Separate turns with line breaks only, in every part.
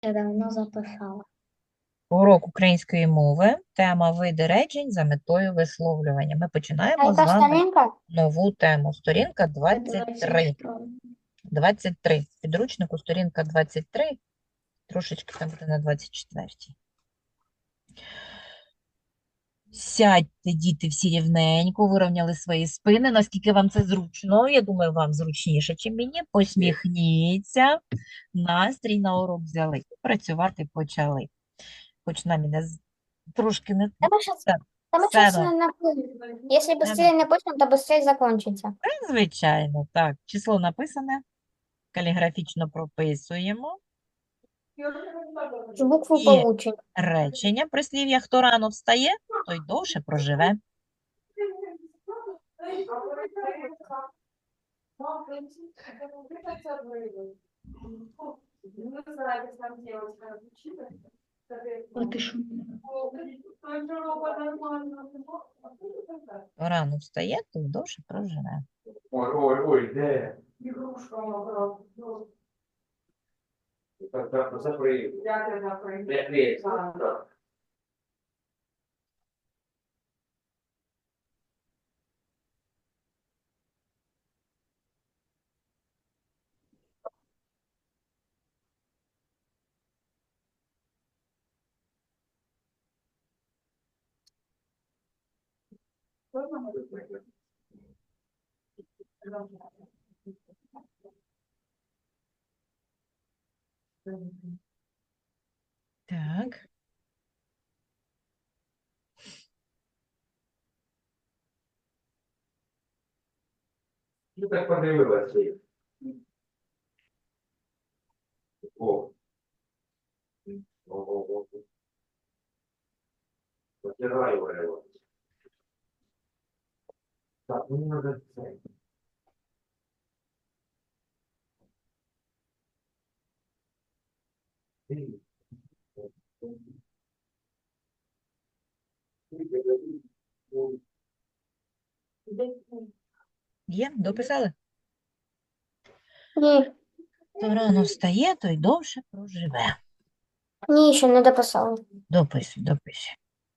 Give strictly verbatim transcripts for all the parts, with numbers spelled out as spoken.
вже давно записала.
Урок української мови, тема види речень за метою висловлювання. Ми
А
починаємо з
яка
вами
сторінка?
нову тему. Сторінка двадцять три.
двадцять три.
двадцять три. В підручнику сторінка двадцять три, трошечки там буде на двадцять четвертій. Сядьте, діти, всі рівненько, вирівняли свої спини, наскільки вам це зручно. Я думаю, вам зручніше, ніж мені. Посміхніться. Настрій на урок взяли. Працювати почали. Хоч нам і не з- трошки не
Та ми щас,
так,
та ми щас
все,
не напишемо. Якщо
не на-
швидше напишемо, то швидше закінчиться.
звичайно, так. Число написане, каліграфічно прописуємо.
Букву
І
получимо.
речення, прислів'я, хто рано встає, той довше проживе.
А ти що?
Хто рано встає, той довше проживе.
Ой, ой, ой, де? Так, так, закрий. Закрий. Так.
Так.
Ну так подивилася. О. Ого. Потирай його. Так, мені треба це.
Є? Дописали?
Ні,
Хто рано встає, той довше проживе.
ні, ще не дописала.
Дописуй, дописуй.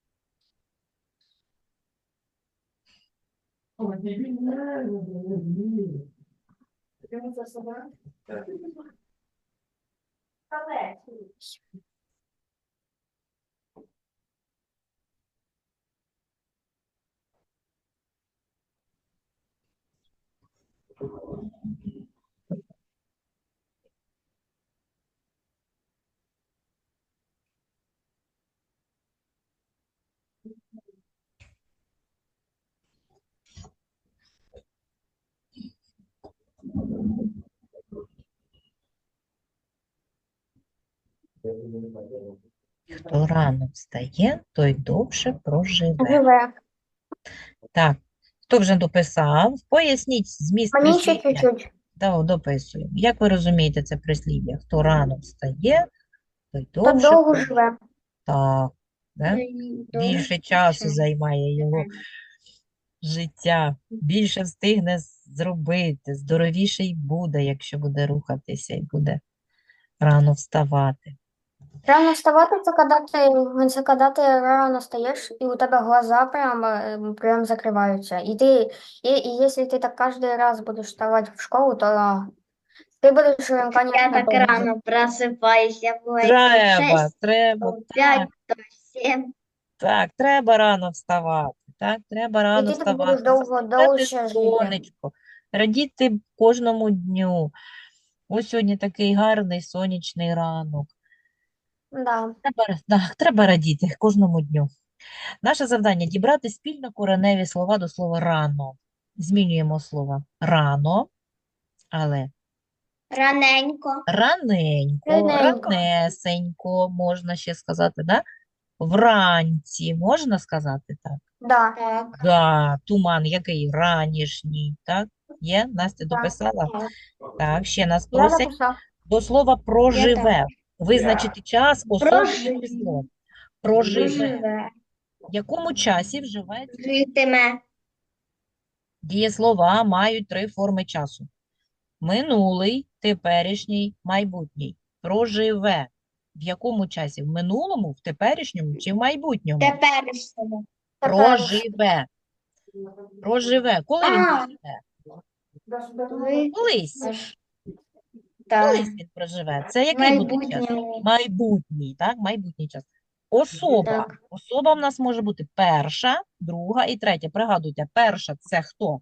Хто рано встає, той довше проживе.
Живе.
Так, хто вже дописав? Поясніть зміст
Мені ще
прислів'я.
чуть-чуть.
Так, дописую. Як ви розумієте це прислів'я? Хто рано встає, той
То
довше
довго
проживе.
живе.
Так, да? Більше часу займає його життя, більше встигне зробити, здоровіший буде, якщо буде рухатися і буде рано вставати.
Рано вставати, це коли ти, це коли ти рано стаєш, і у тебе глаза прям, е, прям закриваються. І ти, і, і якщо ти так кожен раз будеш вставати в школу, то ти будеш, е,
Я
конечно,
так
довго.
рано просыпаюсь, я бывает то
Треба,
шесть,
треба,
то пять,
так,
то семь.
так, треба рано вставати, так, треба
І
рано
ти так будеш
вставати,
довго,
зустрічати
довше жити.
сонечко, радіти кожному дню. Ось сьогодні такий гарний сонячний ранок.
Да.
Треба, так, треба радіти кожному дню. Наше завдання дібрати спільно кореневі слова до слова рано. Змінюємо слово рано, але
Раненько.
раненько,
Раненько.
ранесенько, можна ще сказати, да? Вранці, можна сказати так?
Да.
Так.
Да, туман який ранішній, так? Є? Настя
Так.
дописала?
Так.
Так, ще нас
Я
просять
написав.
до слова проживе.
Я
Визначити час, особу і
Проживе.
число. Проживе.
Проживе.
В якому часі вживається?
Житиме.
Дієслова мають три форми часу. Минулий, теперішній, майбутній. Проживе. В якому часі? В минулому, в теперішньому чи в майбутньому?
Теперішньому.
Проживе. Проживе. Коли він
А.
проживе?
Ви
Колись.
аж так.
Колись він проживе. Це який буде час?
Майбутньому.
Майбутній, так? Майбутній час. Особа.
Так.
Особа в нас може бути перша, друга і третя. Пригадуйте, перша – це хто?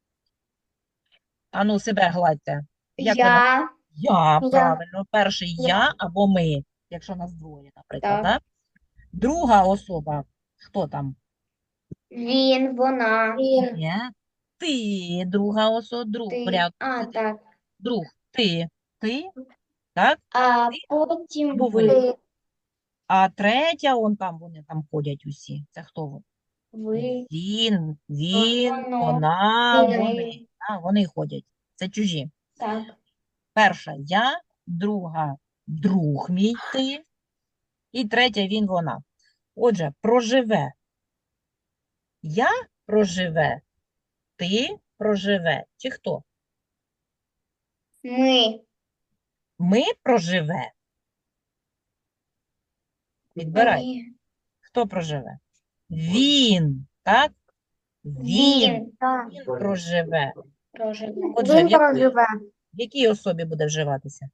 Ану, себе гладьте. Як ви на-
Я.
Я,
Я.
правильно. Перший
Я.
я або ми, якщо нас двоє, наприклад,
Так.
так? Друга особа, хто там?
Він, вона.
Він.
Є. Ти, друга особа, друг.
Ти.
Порядку.
А,
Це ти.
так.
Друг. Ти. Ти. Так?
А потім
Або ви.
ви.
Ти.
А третя, он там, вони там ходять усі. Це хто вони?
Ви.
Він, він,
Воно.
вона,
Він.
вони. А, вони ходять. Це чужі.
Так.
Перша я, друга друг мій ти, і третя він, вона. Отже, проживе. Я проживе, ти проживе. Чи хто?
Ми.
Ми проживе. Відбирай.
Ні.
Хто проживе? Він, так? Він,
Він.
Так.
він проживе.
Проживе.
Отже, в
Він
якій,
проживе.
в якій особі буде вживатися?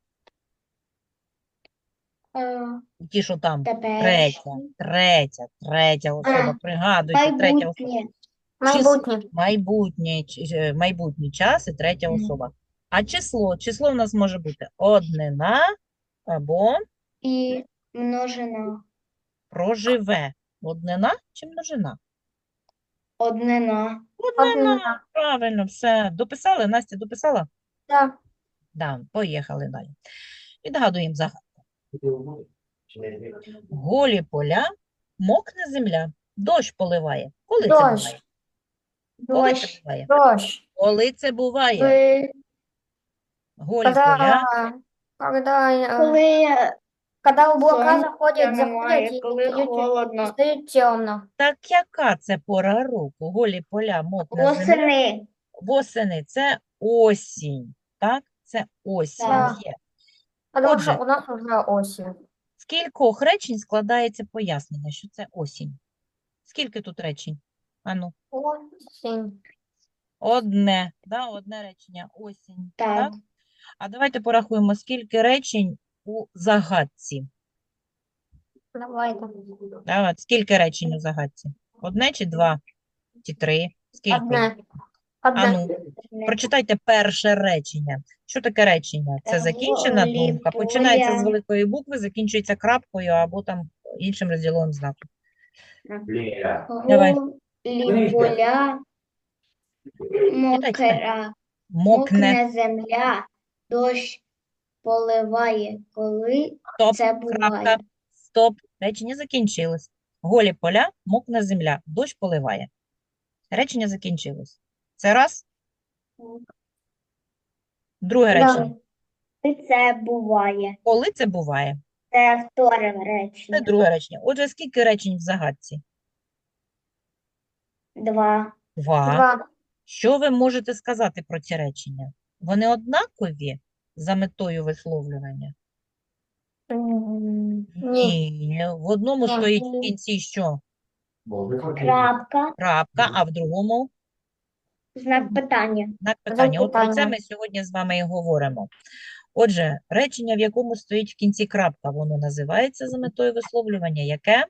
Е,
Ті, що там? Третя,
Теперішній.
третя, третя особа. Пригадуйте, третя особа.
Майбутнє.
Майбутнє.
Майбутнє, ч- е, майбутній час і третя
Мгм.
особа. А число? Число в нас може бути однина або
І множина.
проживе. Однина чи множина?
Однина.
Однина.
Однина.
Правильно, все. Дописали? Настя, дописала?
Так.
Да, поїхали далі. Відгадуємо загадку. Голі поля, мокне земля, дощ поливає. Коли це
Дощ.
буває? Коли це
Дощ.
буває?
Дощ.
Коли це буває?
Ви.
Голі
Когда,
поля.
когда, э,
Коли
когда облака
сонця
заходят,
немає,
заходят и
коли
стают,
холодно.
стают темно.
Так яка це пора року? Голі поля, мокна земля.
Восени.
Восени – це осінь, так? Це осінь
Так.
є.
Потому
Отже.
что у нас уже осень.
З кількох речень складається пояснення, що це осінь? Скільки тут речень? Ану,
Осень.
одне, да? Одне речення – осінь,
Так.
так? А давайте порахуємо, скільки речень у загадці.
Давай.
Да, от скільки речень у загадці? Одне чи два? Чи три? Скільки?
Одне. Одне.
Ану, прочитайте перше речення. Що таке речення? Це
Е,
закінчена
голі
думка, починається з
поля.
великої букви, закінчується крапкою або там іншим розділовим знаком.
Лера.
Давай.
Голі поля. Мокра.
Мокне.
Мокне земля. Дощ поливає. Коли
Стоп,
це
крапка,
буває.
стоп. Речення закінчилось. Голі поля, мокне земля, дощ поливає. Речення закінчилось. Це раз. Друге
Да.
речення.
Коли це буває.
Коли це буває?
Це вторе
Це
речення.
друге речення. Отже, скільки речень в загадці?
Два.
Два.
Два.
Що ви можете сказати про ці речення? Вони однакові за метою висловлювання?
М, Ні.
Ні. В одному
Ні.
стоїть в кінці що?
Крапка.
Крапка, а в другому
Знак питання.
знак питання. От про це
питання.
ми сьогодні з вами і говоримо. Отже, речення, в якому стоїть в кінці крапка, воно називається за метою висловлювання. Яке?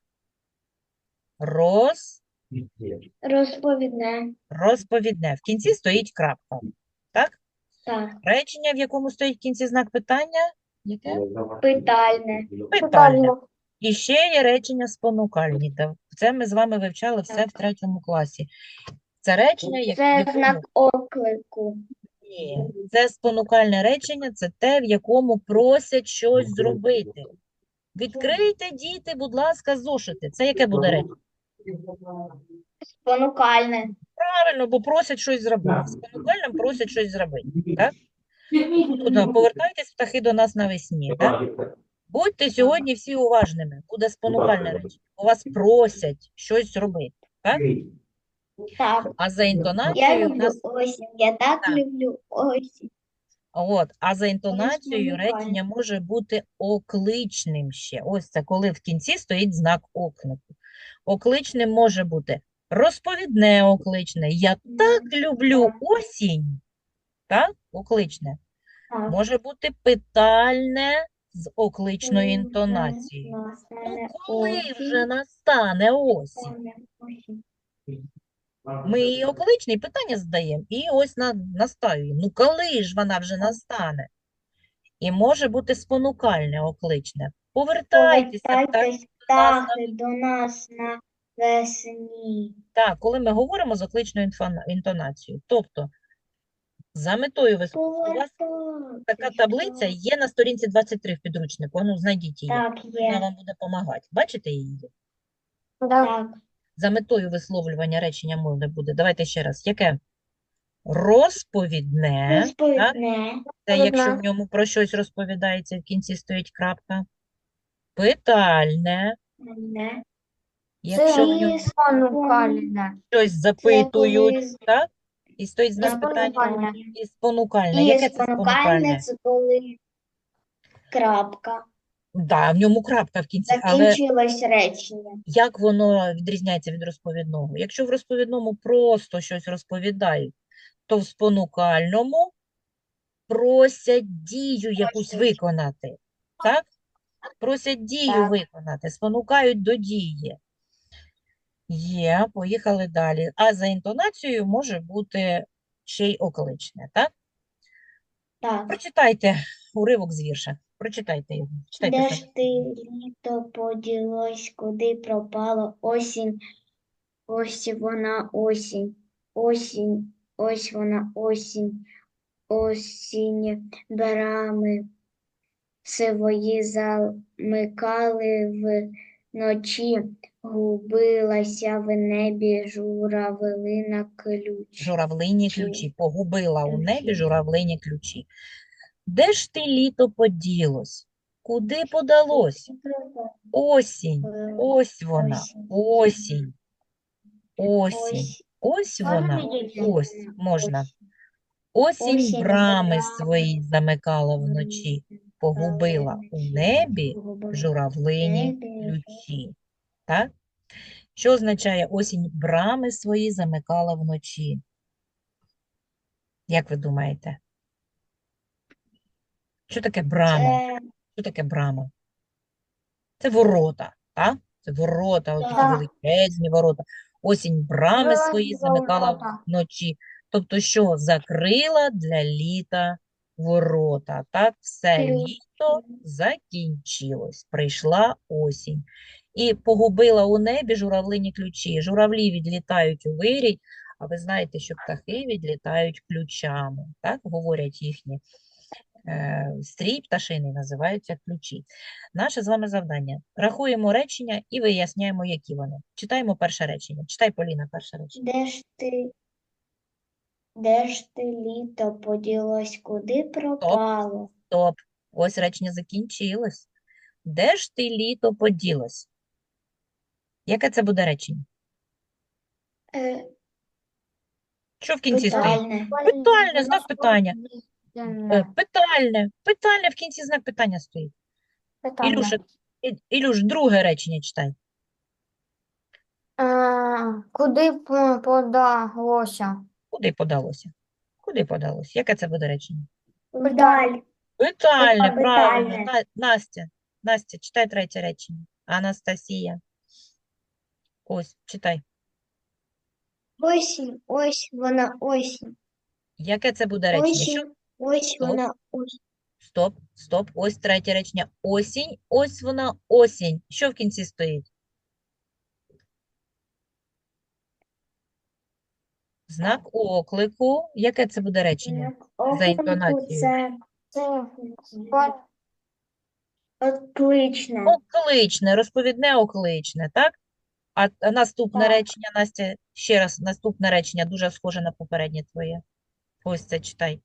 Роз...
Розповідне.
Розповідне. В кінці стоїть крапка. Так?
Так.
Речення, в якому стоїть в кінці знак питання. Яке?
Питальне.
Питальне.
Питання.
І ще є речення спонукальні. Та Це ми з вами вивчали все в третьому класі. Це речення, як- в
Це
якому...
знак оклику.
Ні, це спонукальне речення, це те, в якому просять щось зробити. Відкрийте, діти, будь ласка, зошити. Це яке буде речення?
Спонукальне.
Правильно, бо просять щось зробити. Спонукальним просять щось зробити. Так? Тобто, повертайтесь, птахи, до нас навесні. Так? Будьте сьогодні всі уважними. Буде спонукальне речення. У вас просять щось робити. Так?
Так.
А за
Я
інтонацією в
люблю
нас
осінь. Я так
Так.
люблю осінь.
От, а за інтонацією
спонукальне.
речення може бути окличним ще. Ось це коли в кінці стоїть знак оклику. Окличним може бути розповідне окличне. Я так люблю
Так.
осінь. Так? Окличне.
Так.
Може бути питальне з окличною
Коли вже
інтонацією. Ну,
настане
коли
осінь,
вже настане осінь?
настане осінь.
Ми її окличне і питання задаємо, і ось на, настаюємо. Ну, коли ж вона вже настане? І може бути спонукальне окличне. Повертайтеся, птахи
Повертайтесь,
до нас на
птахи, до нас на весні.
так, коли ми говоримо з окличною інфона- інтонацією. Тобто, за метою вис- у вас така таблиця
Повертайтесь.
є на сторінці двадцять три в підручнику. Ну, знайдіть її.
Так,
Вона
є.
вам буде допомагати. Бачите її?
Да.
Так.
За метою висловлювання речення мови буде. Давайте ще раз. Яке? Розповідне. Так?
Розповідне.
Це якщо в
Розповідне.
ньому про щось розповідається, в кінці стоїть крапка. Питальне.
Не.
Якщо в ньому
Це спонукальне.
щось
Це
запитують,
коли
так? І стоїть
І
знак питання.
спонукальне.
І спонукальне.
І
Яке це
спонукальне
спонукальне?
це коли крапка.
Да, в ньому крапка в кінці, але
Закінчилось речення.
як воно відрізняється від розповідного? Якщо в розповідному просто щось розповідають, то в спонукальному просять дію якусь
Просять.
виконати. Так? Просять дію
Так.
виконати, спонукають до дії. Є, поїхали далі. А за інтонацією може бути ще й окличне, так?
Так.
Прочитайте уривок з вірша. Прочитайте його. Читайте
Де
самі.
ж ти літо поділось, куди пропало осінь? Ось вона осінь, осінь, ось вона осінь, осінь брами свої замикали вночі, губилася в небі журавлина ключ.
Журавлині
Чи-
ключі. Погубила у небі
ключі.
журавлині ключі. Де ж ти літо поділось? Куди подалось? Осінь. Ось вона. Осінь. Осінь.
Ось
Ось
Можна
вона.
відійти?
Ось можна. Осінь
Осінь
брами
брами
свої замикала вночі. Погубила у небі журавлині
небі
ключі. Так? Що означає осінь брами свої замикала вночі? Як ви думаєте? Що таке брама?
Це
Що таке брама? Це ворота, так? Це ворота, от такі
Так.
величезні ворота. Осінь брами свої
Великі
замикала
ворота.
вночі. Тобто, що закрила для літа ворота. Так, все
Ключ.
літо закінчилось. Прийшла осінь. І погубила у небі журавлині ключі. Журавлі відлітають у вирій, а ви знаєте, що птахи відлітають ключами. Так, говорять їхні е, стрій пташиний називаються ключі. Наше з вами завдання. Рахуємо речення і виясняємо, які вони. Читаємо перше речення. Читай, Поліна, перше речення.
де ж ти, де ж ти літо поділось, куди пропало?
Стоп. Ось речення закінчилось. Де ж ти літо поділось? Яке це буде речення?
Е,
Що в кінці стоїть?
питальне.
Питальне, знак питання. Е,
Питальне.
Питальне. Питальне в кінці знак питання стоїть. Ілюша, І- Ілюш, друге речення читай.
Е, Куди п- подалося?
Куди подалося? Куди подалося? Яке це буде речення?
Вдаль.
Питальне,
Питальне.
правильно. На- Настя, Настя, читай третє речення. Анастасія. Ось, читай.
Осінь, ось вона осінь.
Яке це буде речення? Що?
Осінь, ось
Стоп.
вона осінь.
Стоп, стоп. Ось третє речення. Осінь, ось вона осінь. Що в кінці стоїть? Знак оклику. Яке це буде речення? За інтонацією.
Це
Це пон-
окличне.
Окличне, розповідне окличне, так? А, а наступне
Так.
речення, Настя, ще раз, наступне речення дуже схоже на попереднє твоє. Ось це читай.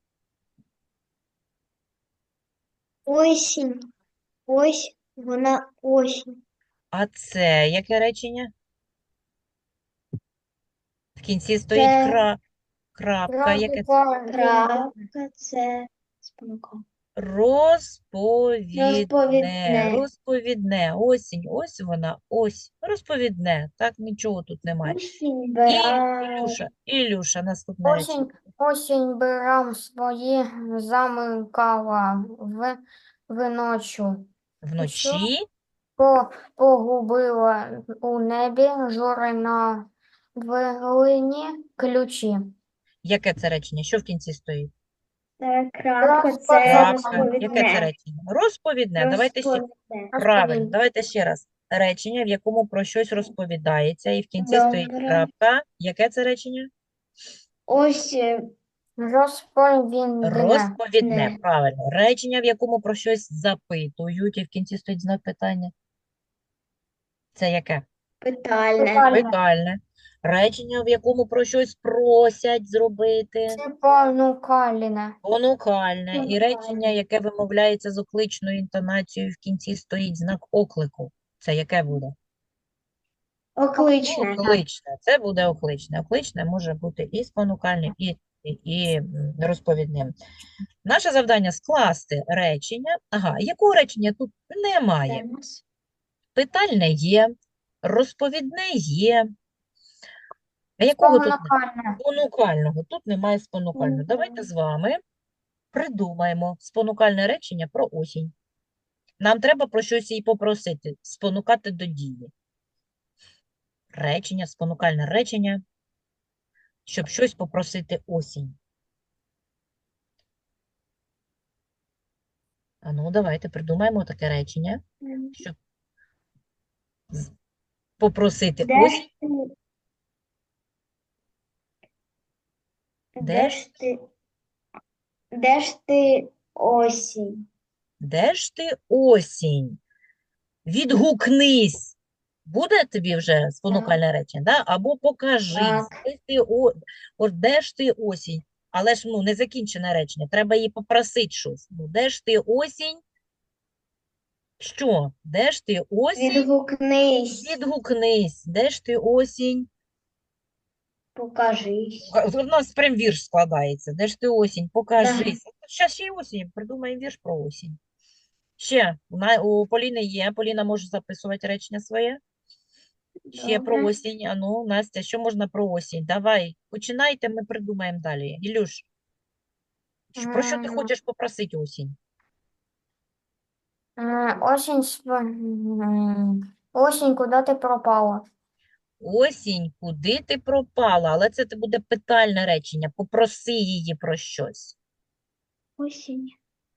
Осінь, ось вона осінь.
А це яке речення? В кінці стоїть
Це
кра... крапка. Яке це?
Крапка.
Крапка, це Спонукало.
Розповідне.
Розповідне.
Розповідне. Осінь. Ось вона. Ось. Розповідне. Так, нічого тут немає.
Осінь
І,
бирає.
Ілюша, Ілюша, наступне речення.
Осінь, осінь бирам свої замикала в вночу.
Вночі
По, погубила у небі жури на вилині ключі.
яке це речення? Що в кінці стоїть?
Е, Крапка це
Крапка. Яке це
розповідне.
речення? Розповідне. Давайте ще.
Розповідне.
Правильно.
Розповідь.
Давайте ще раз. Речення, в якому про щось розповідається, і в кінці стоїть
Добре.
крапка. Яке це речення?
Ось е,
Розповідне.
Розповідне.
Не.
Правильно. Речення, в якому про щось запитують, і в кінці стоїть знак питання. Це яке?
питальне.
Питальне.
Питальне. Речення, в якому про щось просять зробити.
Це понукальне.
Понукальне. І
Понукальне.
речення, яке вимовляється з окличною інтонацією, в кінці стоїть знак оклику. Це яке буде?
Окличне.
Окличне. Це буде окличне. Окличне може бути і спонукальним, і, і, і м, розповідним. Наше завдання скласти речення. Ага, якого речення тут немає?
Це у нас.
Питальне є, розповідне є. А якого тут немає?
Понукальне.
Спонукального. Тут немає спонукального.
Мгм.
Давайте з вами придумаємо спонукальне речення про осінь. Нам треба про щось її попросити, спонукати до дії. Речення, спонукальне речення, щоб щось попросити осінь. А ну, давайте придумаємо таке речення, щоб з- попросити
Де
осінь.
ж ти?
Де
Де
ж?
ж ти? Де ж ти осінь?
Де ж ти осінь? Відгукнись. Буде тобі вже спонукальне речення, да? Або покажись.
Так.
Де ти, о... О, де ж ти осінь? Але ж ну, не закінчене речення, треба її попросити щось. Ну, де ж ти осінь? Що? Де ж ти осінь?
Відгукнись.
Відгукнись. Де ж ти осінь?
Покажись.
У нас прям вірш складається. Де ж ти осінь? Покажись. Зараз ще й осінь. Придумаємо вірш про осінь. Ще у, на- у Поліни є. Поліна може записувати речення своє. Ще про
Добре.
осінь. А ну, Настя, що можна про осінь? Давай, починайте, ми придумаємо далі. Ілюш, що- про що ти
М,
хочеш попросити осінь?
м, Осінь, сп- м, осінь, куди ти пропала?
Осінь, куди ти пропала? Але це те буде питальне речення. Попроси її про щось.
Осінь.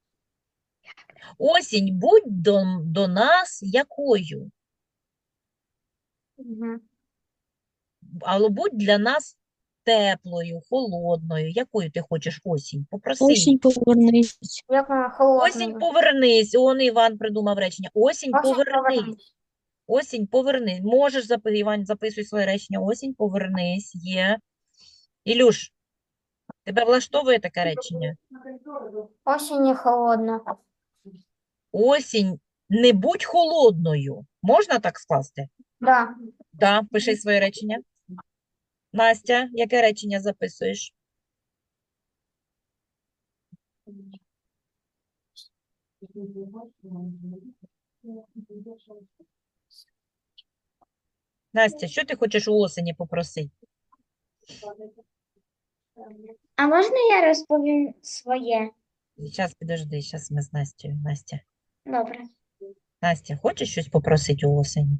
Осінь, будь до, до нас якою?
Мгм.
Але будь для нас теплою, холодною. Якою ти хочеш осінь? Попроси її.
Осінь повернись.
Як вона
Осінь,
холодна.
повернись. Он Іван придумав речення. Осінь,
Осінь,
повернись.
повернись.
Осінь, повернись. Можеш записати, Іван, записуй своє речення. Осінь, повернись. Є. Ілюш, тебе влаштовує таке речення?
Осінь не холодна.
Осінь, не будь холодною. Можна так скласти?
Да.
Да, пиши своє речення. Настя, яке речення записуєш? Настя, що ти хочеш у осені попросити?
А можна я розповім своє?
Зараз підожди, зараз ми з Настю. Настя.
Добре.
Настя, хочеш щось попросити у осені?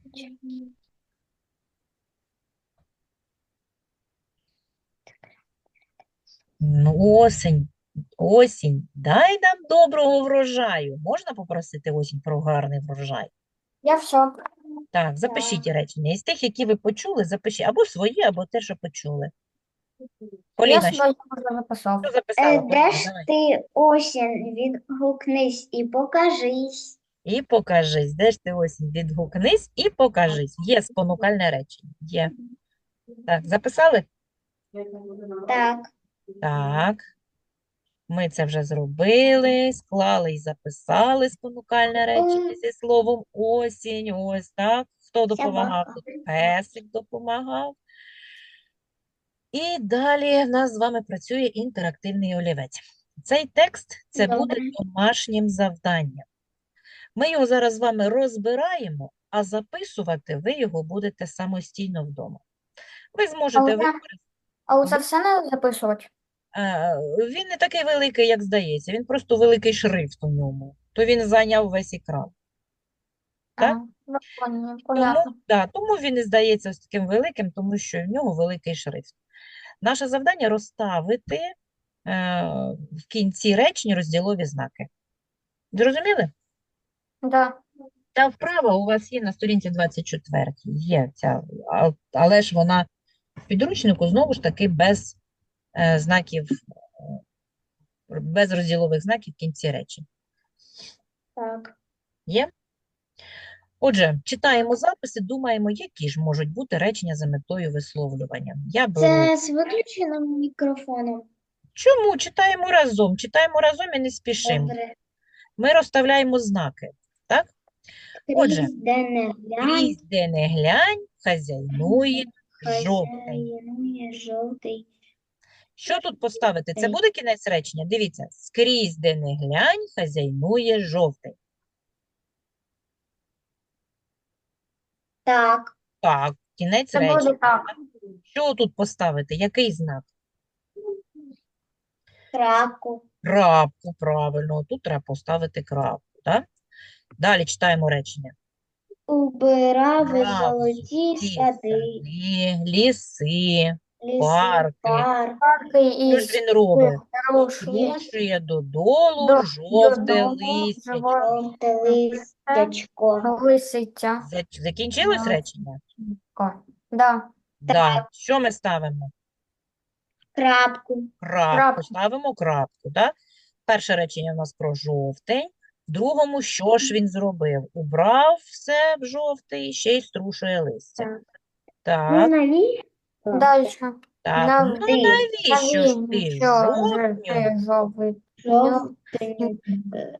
Ну, осінь, осінь, дай нам доброго врожаю. Можна попросити осінь про гарний врожай?
Я все.
Так, запишіть речення. Із тих, які ви почули, запишіть або свої, або те, що почули.
Я
Поліна, що
своє вже записав.
що
Е,
записала?
Де
Поліна,
ж
давай.
ти осінь? Відгукнись і покажись.
І покажись. Де ж ти осінь? Відгукнись і покажись. Є спонукальне речення. Є. Так, записали?
Так.
Так. Ми це вже зробили, склали і записали спонукальне речення зі словом осінь. Ось так. Хто допомагав?
Собака.
Тут песик допомагав. І далі в нас з вами працює інтерактивний олівець. Цей текст – це буде
Добре.
домашнім завданням. Ми його зараз з вами розбираємо, а записувати ви його будете самостійно вдома. Ви
А
зможете
оце,
використати.
а оце все не записувати?
Е, Він не такий великий, як здається, він просто великий шрифт у ньому. То він зайняв весь екран. Так?
Ага, ну, пон-
Тому,
понятно.
да, тому він і здається ось таким великим, тому що в нього великий шрифт. Наше завдання розставити е, в кінці речень розділові знаки. Зрозуміли?
Да.
Та вправа у вас є на сторінці двадцять четвертій. Є ця, а- але ж вона в підручнику знову ж таки без е, знаків, е, без розділових знаків в кінці речень.
Так.
Є? Отже, читаємо записи, думаємо, які ж можуть бути речення за метою висловлювання. Я беру.
Це з виключеним мікрофоном.
Чому? Читаємо разом. Читаємо разом і не спішимо.
Добре.
Ми розставляємо знаки. Так? Отже,
Крізь де не глянь,
крізь де не глянь, хазяйнує жовтень.
хазяйнує жовтий.
Що тут поставити? Це
Жовтень.
буде кінець речення? Дивіться. Скрізь де не глянь, хазяйнує жовтень.
Так.
Так, кінець
Це буде
речення.
так.
Що тут поставити? Який знак?
Крапку.
Крапку, правильно. Тут треба поставити крапку, так? Далі читаємо речення.
Убирав
Брав
золоті
золоті
сади,
сади, ліси,
ліси,
парки.
парк.
Парки
Що
із
ж він робить?
хорошої
Струшує додолу
до,
жовте
додому
листя.
Жовте листячко.
лисиця.
За- Закінчилось
Да.
речення?
Да.
Да. Що ми ставимо?
Крапку.
Крапку.
Крапку.
Ставимо крапку, да? Перше речення у нас про жовтень. В другому, що ж він зробив? Убрав все в жовтий, ще й струшує листя.
Так.
Так,
Ну, навіщо?
Дальше.
так.
На-
Ну,
Ти.
навіщо ж ти
Навіщо
жовтню
ти жовтий?
Жовтень е,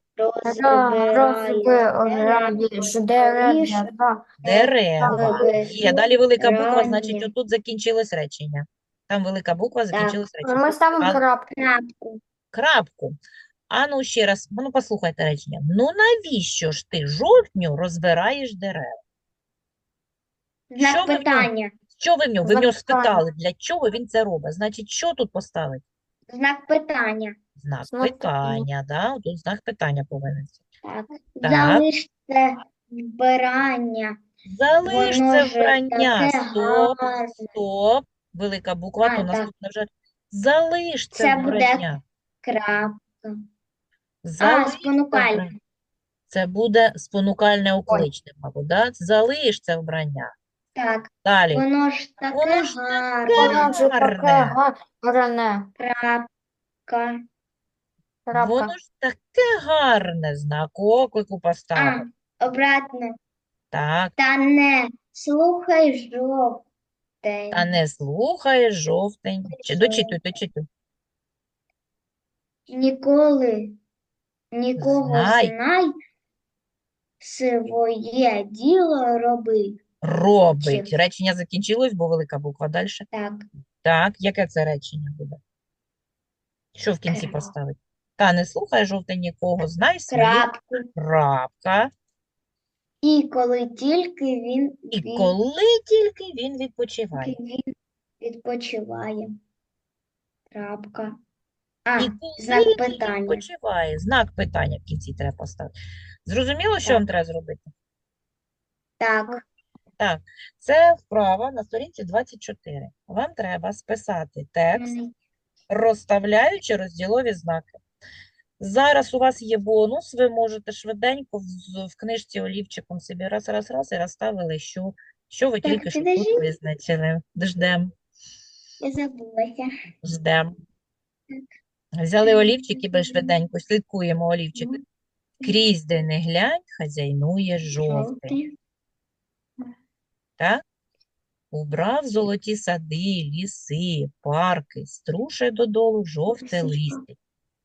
Розбираєш дерева.
дерева? Є. Далі велика буква, значить,
Вибирання.
отут закінчилось речення. Там велика буква, закінчилось речення.
Ми ставимо
А-
крапку.
Крапку.
Крапку. А ну ще раз, ну послухайте речення. Ну навіщо ж ти жовтню розбираєш дерева? Що
Знак
ви в ньому?
питання.
Що ви в нього? Ви в
Знак
нього
питання.
спитали, для чого він це робить? Значить, що тут поставити?
Знак питання.
Знак
Знак питання.
питання, да? Тут знак питання повинен.
Так.
Так.
Залиште вбирання.
Залиш
Воно
це
ж
вбрання.
таке
Стоп,
гарне.
стоп. Велика буква,
А,
то
так.
наступна вже. Залиш це
Це буде
вбрання.
крапка. А,
Залиш це
спонукальне.
вбрання. Це буде спонукальне окличне, мабуть, да? Залиш це вбрання.
Так.
Далі.
Воно ж таке
Воно ж
гарне.
Воно вже таке
Гарне.
гарне.
Крапка.
Воно
Крапка.
ж таке гарне. Знак оклику
А,
поставив.
обратно.
Так.
Та не слухай жовтень.
Та не слухає жовтень. Чи дочитуй, дочитуй.
Ніколи, нікого
Знай.
знай, своє діло роби.
Робить.
Чи-
Речення закінчилось, бо велика буква. Далі.
Так,
Так, яке це речення буде? Що в кінці
Крапка.
поставити? Та не слухай жовтень нікого, знай свої.
крапку.
Крапка.
І коли тільки він,
І
він,
коли тільки він відпочиває.
він відпочиває. Крапка. А,
І коли
знак
він
питання.
відпочиває. Знак питання в кінці треба поставити. Зрозуміло, що вам треба зробити?
Так,
Так, це вправа на сторінці двадцять чотири. Вам треба списати текст,
Мгм.
розставляючи розділові знаки. Зараз у вас є бонус, ви можете швиденько в, в книжці олівчиком собі раз, раз, раз і розставили, що, що ви
Так,
тільки що тут
підожди.
визначили. Ждем,
я забулася.
ждем. Взяли олівчик і ви швиденько слідкуємо олівчик. Крізь де не глянь, хазяйнує жовтий.
Жовтий.
Так? Убрав золоті сади, ліси, парки, струшує додолу жовте листя.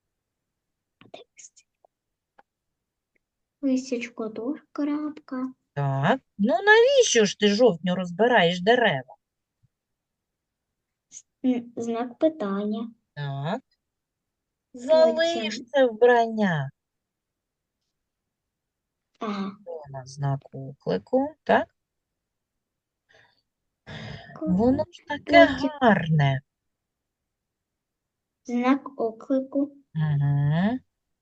Лисячко теж крапка.
Так, ну навіщо ж ти жовтню розбираєш дерева?
М, Знак питання.
Так. Залиш це вбрання.
Ага.
У нас знак оклику, так? Воно ж таке
Потім
гарне.
знак оклику.
Угу.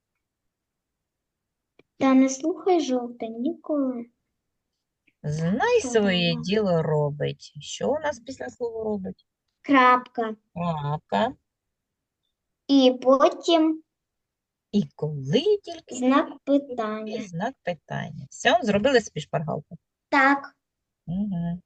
Та не слухай жовте ніколи.
Знай
Що
своє
там?
діло робить. Що у нас після слова робить?
Крапка.
Крапка.
І потім
І коли тільки
знак
і
питання.
знак питання. Все, зробили собі шпаргалку.
Так.
Угу.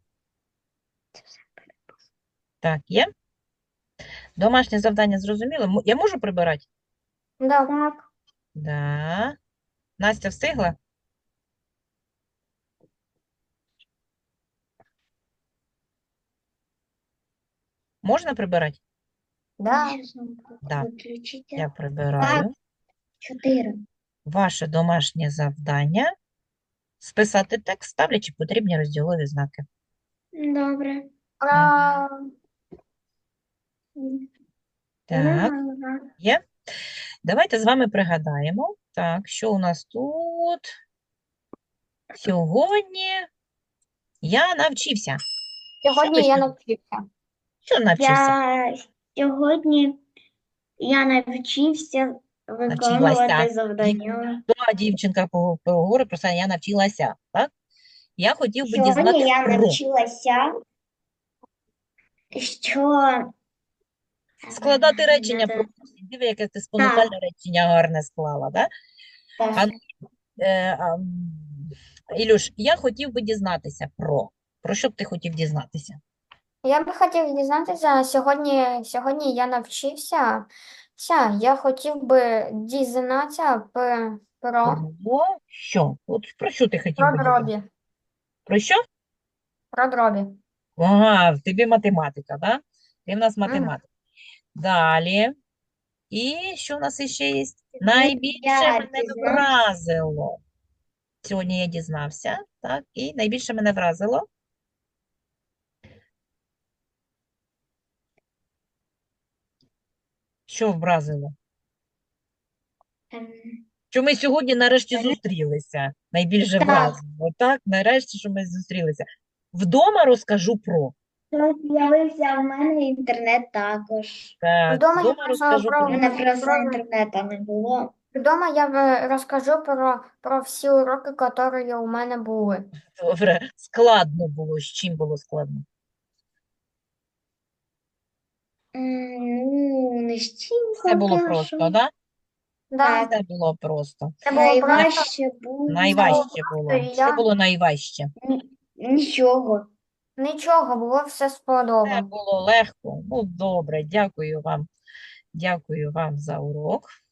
Так, є? Домашнє завдання зрозуміло? М- Я можу прибирати?
Да.
Так.
Да. Настя встигла? Можна прибирати?
Да.
Щас звук
Да.
виключите.
Я прибираю.
Чотири.
Ваше домашнє завдання списати текст, ставлячи потрібні розділові знаки.
Добре.
Ура!
Так,
Ага.
є. Давайте з вами пригадаємо. Так, що у нас тут? Сьогодні я навчився. Що ви
Сьогодні я
ще-
навчився.
Що навчився?
Я сьогодні я навчився
Навчилася.
виконувати завдання.
Та дівчинка по- поговорить про це, я навчилася, так? Я хотів би
Сьогодні
дізнатися
я
про
навчилася, що
складати речення
Надо-
про диви, яке ти спонукальне речення гарне склала, да?
Так.
А, е, а, м, Ілюш, я хотів би дізнатися про. Про що б ти хотів дізнатися?
Я би хотів дізнатися, сьогодні, сьогодні я навчився. Ся, я хотів би дізнатися п- про,
Про що? От про що ти хотів
про
би дізнатися?
дробі.
Про що?
Про дробі.
Ага, в тобі математика, да? Ти в нас
Мгм.
математик. Далі. І що в нас іще є? Найбільше
я
мене
дізнався.
вразило. Сьогодні я дізнався, так, і найбільше мене вразило. Що вразило?
Ем,
Що ми сьогодні нарешті
Мене-
зустрілися. Найбільше
Так.
вразило. Так, нарешті, що ми зустрілися. Вдома розкажу про.
то з'явився в мене інтернет також.
Так,
Вдома я
вдома
розкажу
розкажу
про-
У
про.
мене просто
про-
інтернету не було.
Вдома я в- розкажу про, про всі уроки, які у мене були.
Добре, складно було. З чим було складно?
М, Ну, не з чим
Все було
поки
просто,
що.
да?
Да,
Все було просто.
це було просто,
Найважче було
Найважче було.
просто, і
Що
я
було найважче?
ні- нічого.
нічого, було все
Все
сподобано.
було легко. Ну, добре, дякую вам. Дякую вам за урок.